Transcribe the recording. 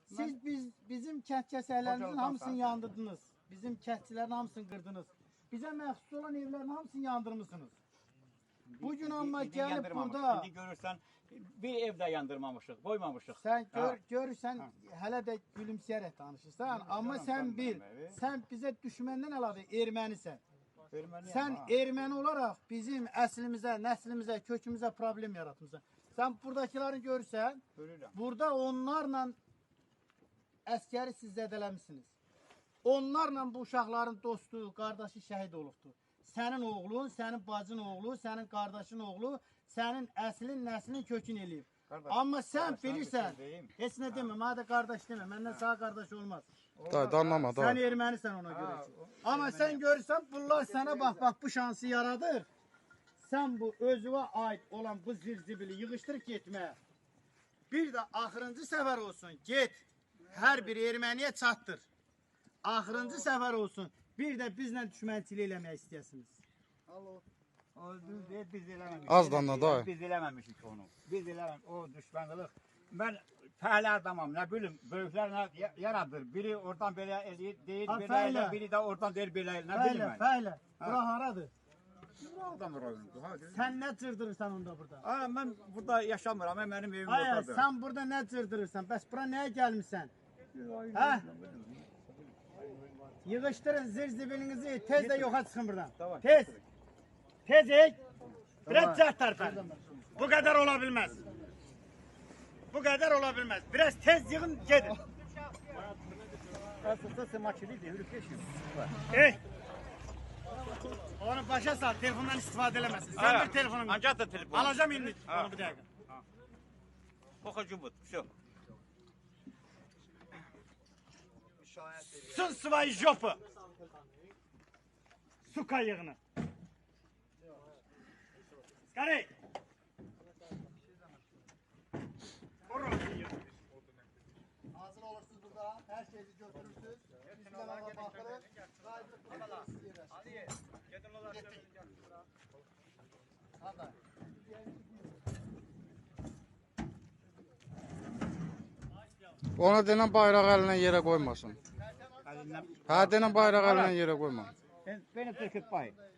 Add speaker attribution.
Speaker 1: Siz bizim kənd kəsərlərimizin hamısını yandırdınız. Bizim kəndçilərin hamısını qırdınız. Bizə məxsus olan evlərin hamısını yandırmışsınız. Bugün amma gəlib burada...
Speaker 2: İndi görürsən, bir evdə yandırmamışıq, qoymamışıq.
Speaker 1: Sən görürsən, hələ də gülümsəyərək danışırsan. Amma sən bil, sən bizə düşməndən əlavə ermənisən. Sən erməni olaraq bizim əslimizə, nəslimizə, kökümüzə problem yaratmışsan. Sən buradakiları görürsən, burada onlarla əskəri siz zədələmişsiniz. Onlarla bu uşaqların dostu, qardaşı şəhid olubdur. Sənin oğlun, sənin bacın oğlu, sənin qardaşın oğlu, sənin əslin, nəslin kökün eləyib. Amma sən bilirsən, heç nə demə, mənə də qardaş demə, məndən sağ qardaş olmaz.
Speaker 3: Danlama, da.
Speaker 1: Sən ermənisən ona görə ki. Amma sən görürsən, bunlar sənə bax, bu şansı yaradır. Sən bu özüvə aid olan bu zirzibili yığışdırıb getməyə. Bir də axırıncı səfər olsun, get, hər bir erməniyə çatdır. Axırıncı səfər olsun, bir də bizlə düşmənçilik eləmək istəyəsiniz.
Speaker 2: Biz eləməmişik.
Speaker 3: Az danla da.
Speaker 2: Biz eləməmişik onu. Biz eləməmişik, o düşmənçilik. Mən fəhlə adamam, nə bilim, böyüklər nə yaradır. Biri oradan belə eləyir, deyir belə elə, biri də oradan deyir belə elə, nə bilim mən.
Speaker 1: Fəhlə, bura haradır?
Speaker 2: Buradan rayondur.
Speaker 1: Sən nə cırdırırsan onda burada?
Speaker 2: Mən burada yaşamıram, mənim evim oradadır.
Speaker 1: Sən burada nə cırdırırsan? Bəs bura nəyə gəlmişsən? Hə? Yığışdırın zirzibilinizi, tez də yoxa çıxın buradan. Tez. Tez ey. Biraz cəhd tərpən. Bu qədər ola bilməz. Bu qədər ola bilməz. Biraz tez yığın, gedin.
Speaker 2: Aslında sen maçlıydı, hürük geçiyor.
Speaker 1: Ey. Onu başa sal, telefondan istifadə eləməsin. Sən bir telefonun.
Speaker 2: Ancaq da telefon.
Speaker 1: Alacağım indi onu bir dəqiqə.
Speaker 2: Poxucu bu, все.
Speaker 1: Сын свои жопы! Сука yığını. Скорей! Hazır olursunuz burada, her şeyi götürürsünüz. Üstüne bakırız.
Speaker 2: Ali, gedin olar.
Speaker 1: Hadi.
Speaker 3: Ona denən bayraq əlinə yerə qoymasın. Hə, denən bayraq əlinə yerə qoyma.
Speaker 2: Beni töküp bay.